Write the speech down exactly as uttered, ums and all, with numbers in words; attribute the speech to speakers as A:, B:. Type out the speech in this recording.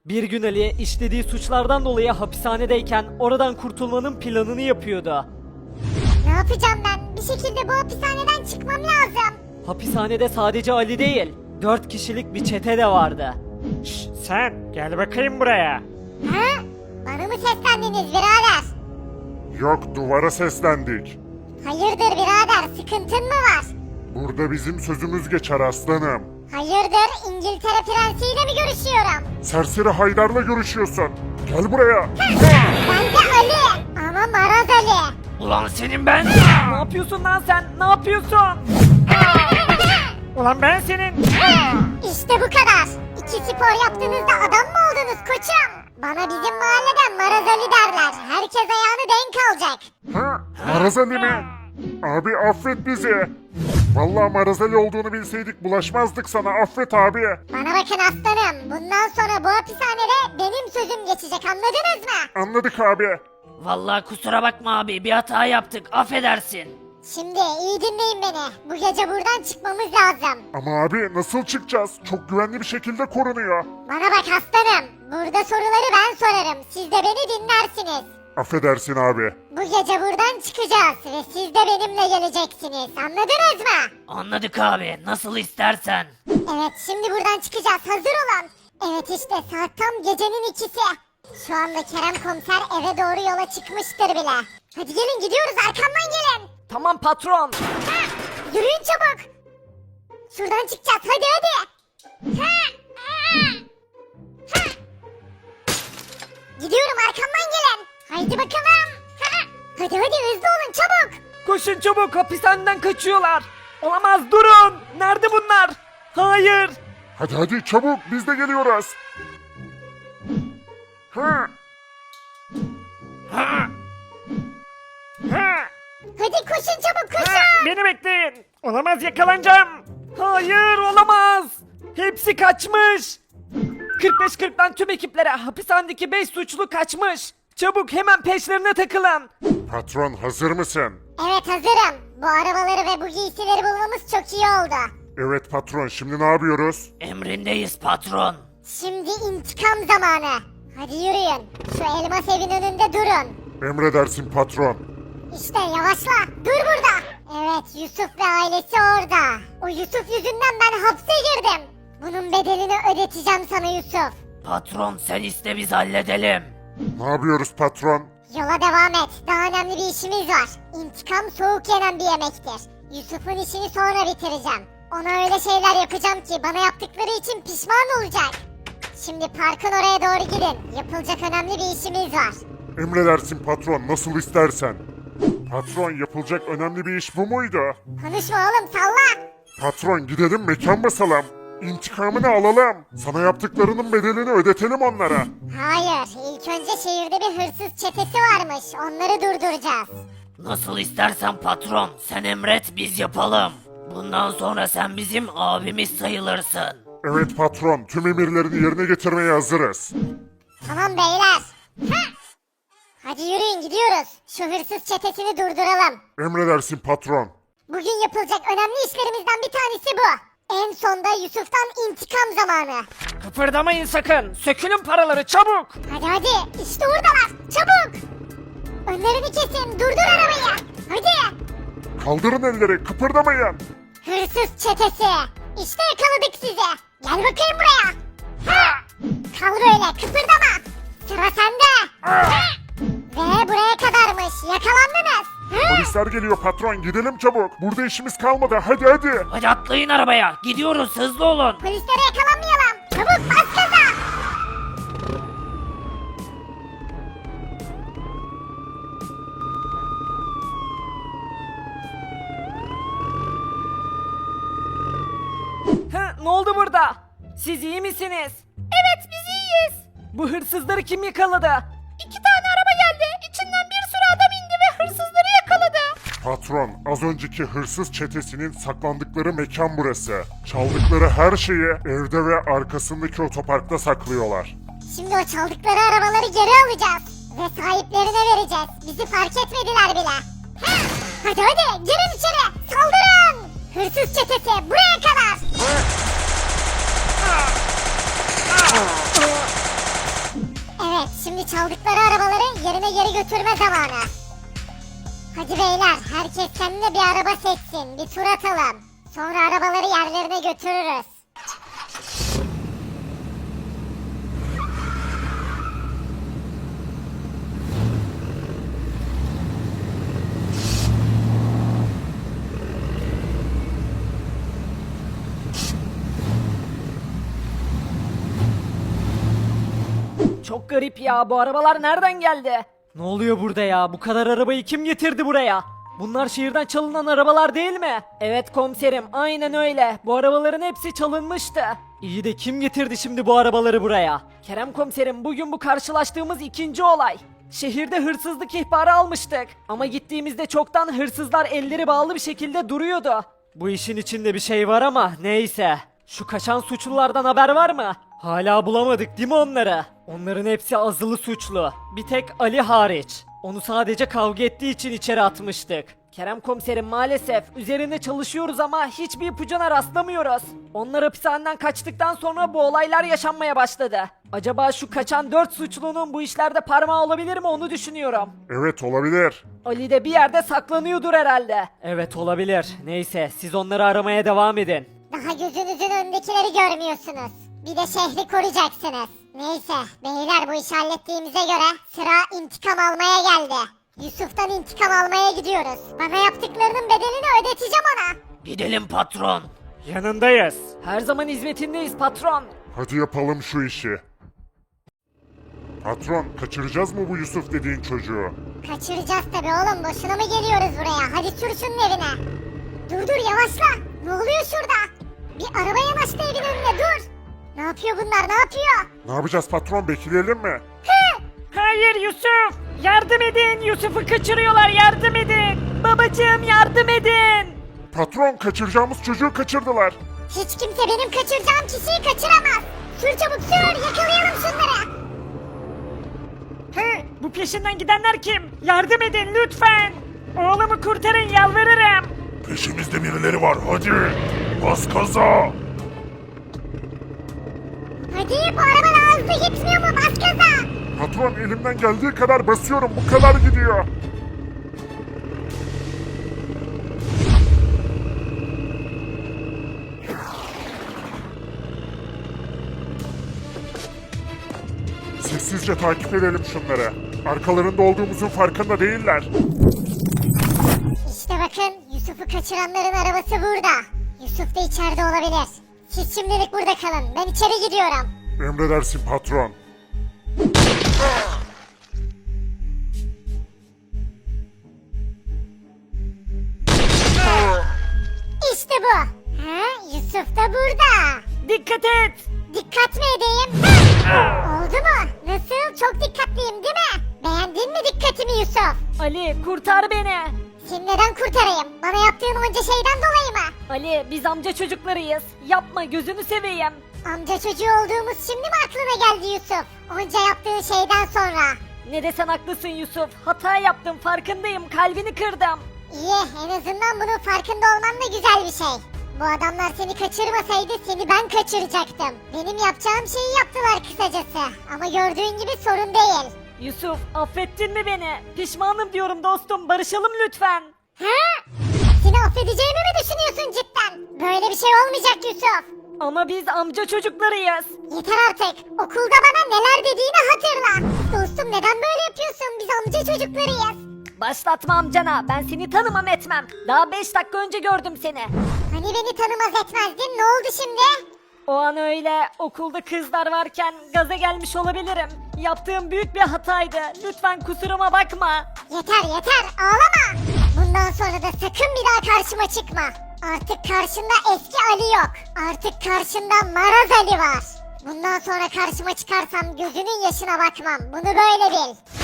A: Bir gün Ali işlediği suçlardan dolayı hapishanedeyken oradan kurtulmanın planını yapıyordu.
B: Ne yapacağım ben? Bir şekilde bu hapishaneden çıkmam lazım.
A: Hapishanede sadece Ali değil, dört kişilik bir çete de vardı.
C: Şşş, sen gel bakayım buraya.
B: Ha? Bana mı seslendiniz birader?
D: Yok, duvara seslendik.
B: Hayırdır birader, sıkıntın mı var?
D: Burada bizim sözümüz geçer aslanım.
B: Hayırdır, İngiltere prensiyle mi görüşüyorum?
D: Serseri Haydar'la görüşüyorsun. Gel buraya.
B: Ben de Ali, ama Maraz Ali.
C: Ulan senin ben.
A: Ne yapıyorsun lan sen? Ne yapıyorsun?
C: Ulan ben senin.
B: İşte bu kadar. İki spor yaptığınızda adam mı oldunuz koçum? Bana bizim mahalleden Maraz Ali derler. Herkes ayağını denk alacak.
D: Ha? Marazali mi? Abi affet bizi. Vallahi Marazali olduğunu bilseydik bulaşmazdık sana. Affet abi.
B: Bana bakın aslanım. Bundan sonra bu hapishanede benim sözüm geçecek, anladınız mı?
D: Anladık abi.
C: Vallahi kusura bakma abi bir hata yaptık affedersin.
B: Şimdi iyi dinleyin beni. Bu gece buradan çıkmamız lazım.
D: Ama abi nasıl çıkacağız? Çok güvenli bir şekilde korunuyor.
B: Bana bak aslanım. Burada soruları ben sorarım. Siz de beni dinlersiniz.
D: Affedersin abi.
B: Bu gece buradan çıkacağız ve siz de benimle geleceksiniz. Anladınız mı?
C: Anladık abi nasıl istersen.
B: Evet, şimdi buradan çıkacağız. Hazır olun. Evet, işte saat tam gecenin ikisi. Şu anda Kerem komiser eve doğru yola çıkmıştır bile. Hadi gelin, gidiyoruz, arkamdan gelin.
A: Tamam patron.
B: Ha, yürüyün çabuk. Şuradan çıkacağız, hadi hadi. Ha, ha, ha. Gidiyorum, arkamdan gelin. Haydi bakalım. Ha, hadi hadi hızlı olun, çabuk.
A: Koşun çabuk, hapishaneden kaçıyorlar. Olamaz, durun. Nerede bunlar? Hayır.
D: Hadi hadi çabuk biz de geliyoruz. Ha.
C: Ha. Ha.
B: Hadi koşun çabuk,
C: Ha.
B: koşun.
C: Beni bekleyin. Olamaz yakalanacağım.
A: Hayır, olamaz. Hepsi kaçmış. kırk beş kırktan tüm ekiplere, hapishanedeki beş suçlu kaçmış. Çabuk hemen peşlerine takılın.
D: Patron hazır mısın?
B: Evet, hazırım. Bu arabaları ve bu giysileri bulmamız çok iyi oldu.
D: Evet patron, şimdi ne yapıyoruz?
C: Emrindeyiz patron.
B: Şimdi intikam zamanı. Hadi yürüyün. Şu elmas evin önünde durun.
D: Emredersin patron.
B: İşte yavaşla. Dur burada. Evet, Yusuf ve ailesi orada. O Yusuf yüzünden ben hapse girdim. Bunun bedelini ödeteceğim sana Yusuf.
C: Patron sen iste biz halledelim.
D: Ne yapıyoruz patron?
B: Yola devam et. Daha önemli bir işimiz var. İntikam soğuk yenen bir yemektir. Yusuf'un işini sonra bitireceğim. Ona öyle şeyler yapacağım ki bana yaptıkları için pişman olacak. Şimdi parkın oraya doğru gidin. Yapılacak önemli bir işimiz var.
D: Emredersin patron, nasıl istersen. Patron, yapılacak önemli bir iş bu muydu?
B: Konuşma oğlum, salla.
D: Patron, gidelim mekan basalım. İntikamını alalım. Sana yaptıklarının bedelini ödetelim onlara.
B: Hayır, ilk önce şehirde bir hırsız çetesi varmış. Onları durduracağız.
C: Nasıl istersen patron sen emret biz yapalım. Bundan sonra sen bizim abimiz sayılırsın.
D: Evet patron, tüm emirlerini yerine getirmeye hazırız.
B: Tamam beyler. Ha! Hadi yürüyün, gidiyoruz. Şu hırsız çetesini durduralım.
D: Emredersin patron.
B: Bugün yapılacak önemli işlerimizden bir tanesi bu. En sonda Yusuf'tan intikam zamanı.
A: Kıpırdamayın sakın. Sökülün paraları çabuk.
B: Hadi hadi, işte oradalar. Çabuk. Önlerini kesin, durdur arabayı. Hadi.
D: Kaldırın elleri, kıpırdamayın.
B: Hırsız çetesi. İşte yakaladık sizi. Gel bakayım buraya. Ha! Kal böyle, kıpırdama. Sıra sende. Ha! Ve buraya kadarmış. Yakalandınız. Ha!
D: Polisler geliyor patron, gidelim çabuk. Burada işimiz kalmadı, hadi hadi.
C: Hadi atlayın arabaya gidiyoruz hızlı olun.
B: Polislere yakalanmayalım. Çabuk bas gaza.
A: Ha, ne oldu burada? Siz iyi misiniz? Evet, biz iyiyiz. Bu hırsızları kim yakaladı?
E: İki tane araba geldi. İçinden bir sürü adam indi ve hırsızları yakaladı.
D: Patron, az önceki hırsız çetesinin saklandıkları mekan burası. Çaldıkları her şeyi evde ve arkasındaki otoparkta saklıyorlar.
B: Şimdi o çaldıkları arabaları geri alacağız. Ve sahiplerine vereceğiz. Bizi fark etmediler bile. Ha! Hadi hadi, girin içeri. Saldırın. Hırsız çetesi buraya kadar. Evet, şimdi çaldıkları arabaları yerine geri götürme zamanı. Hadi beyler, herkes kendine bir araba seçsin, bir tur atalım. Sonra arabaları yerlerine götürürüz.
A: Çok garip ya, bu arabalar nereden geldi? Ne oluyor burada ya? Bu kadar arabayı kim getirdi buraya? Bunlar şehirden çalınan arabalar değil mi? Evet komiserim, aynen öyle. Bu arabaların hepsi çalınmıştı. İyi de kim getirdi şimdi bu arabaları buraya? Kerem komiserim, bugün bu karşılaştığımız ikinci olay. Şehirde hırsızlık ihbarı almıştık. Ama gittiğimizde çoktan hırsızlar elleri bağlı bir şekilde duruyordu. Bu işin içinde bir şey var ama neyse. Şu kaçan suçlulardan haber var mı? Hala bulamadık değil mi onları? Onların hepsi azılı suçlu. Bir tek Ali hariç. Onu sadece kavga ettiği için içeri atmıştık. Kerem komiserim, maalesef üzerinde çalışıyoruz ama hiçbir ipucuna rastlamıyoruz. Onlar hapishaneden kaçtıktan sonra bu olaylar yaşanmaya başladı. Acaba şu kaçan dört suçlunun bu işlerde parmağı olabilir mi, onu düşünüyorum.
D: Evet, olabilir.
A: Ali de bir yerde saklanıyordur herhalde. Evet, olabilir. Neyse, siz onları aramaya devam edin.
B: Daha gözünüzün önündekileri görmüyorsunuz. Bir de şehri koruyacaksınız. Neyse, beyler bu işi hallettiğimize göre sıra intikam almaya geldi. Yusuf'tan intikam almaya gidiyoruz. Bana yaptıklarının bedelini ödeteceğim ona.
C: Gidelim patron.
A: Yanındayız. Her zaman hizmetindeyiz patron.
D: Hadi yapalım şu işi. Patron, kaçıracağız mı bu Yusuf dediğin çocuğu?
B: Kaçıracağız tabii oğlum, boşuna mı geliyoruz buraya? Hadi sür şunun evine. Dur dur, yavaşla. Ne oluyor şurada? Bir araba yanaştı evin önüne, dur. Ne yapıyor bunlar, ne yapıyor?
D: Ne yapacağız patron, bekleyelim mi?
A: Hayır Yusuf! Yardım edin! Yusuf'u kaçırıyorlar, yardım edin! Babacığım, yardım edin!
D: Patron, kaçıracağımız çocuğu kaçırdılar.
B: Hiç kimse benim kaçıracağım kişiyi kaçıramaz. Sür çabuk sür, yakalayalım şunları.
A: He, bu peşinden gidenler kim? Yardım edin lütfen! Oğlumu kurtarın, yalvarırım!
D: Peşimizde birileri var, hadi. Bas gaza.
B: Hadi, bu araba daha hızlı gitmiyor mu? Bas gaza.
D: Patron, elimden geldiği kadar basıyorum, bu kadar gidiyor. Sessizce takip edelim şunları. Arkalarında olduğumuzun farkında değiller.
B: İşte bakın, Yusuf'u kaçıranların arabası burada. Yusuf da içeride olabilir. Siz şimdilik burada kalın, ben içeri gidiyorum.
D: Emredersin patron.
B: İşte bu. Ha, Yusuf da burada.
A: Dikkat et!
B: Dikkat mi edeyim? Oldu mu? Nasıl? Çok dikkatliyim değil mi? Beğendin mi dikkatimi Yusuf?
A: Ali, kurtar beni!
B: Seni neden kurtarayım? Bana yaptığın onca şeyden dolayı mı?
A: Ali, biz amca çocuklarıyız. Yapma, gözünü seveyim.
B: Amca çocuğu olduğumuz şimdi mi aklına geldi Yusuf? Onca yaptığın şeyden sonra.
A: Ne desen haklısın Yusuf. Hata yaptım, farkındayım. Kalbini kırdım.
B: İyi, en azından bunun farkında olman da güzel bir şey. Bu adamlar seni kaçırmasaydı seni ben kaçıracaktım. Benim yapacağım şeyi yaptılar kısacası. Ama gördüğün gibi sorun değil.
A: Yusuf, affettin mi beni? Pişmanım diyorum dostum. Barışalım lütfen.
B: Ha? Seni affedeceğimi mi düşünüyorsun cidden? Böyle bir şey olmayacak Yusuf.
A: Ama biz amca çocuklarıyız.
B: Yeter artık. Okulda bana neler dediğini hatırla. Dostum, neden böyle yapıyorsun? Biz amca çocuklarıyız.
A: Başlatma amcana. Ben seni tanımam etmem. Daha beş dakika önce gördüm seni.
B: Hani beni tanımaz etmezdin? Ne oldu şimdi?
A: O an öyle okulda kızlar varken gaza gelmiş olabilirim. Yaptığım büyük bir hataydı. Lütfen kusuruma bakma.
B: Yeter yeter, ağlama. Bundan sonra da sakın bir daha karşıma çıkma. Artık karşında eski Ali yok. Artık karşında Maraz Ali var. Bundan sonra karşıma çıkarsam gözünün yaşına bakmam. Bunu böyle bil.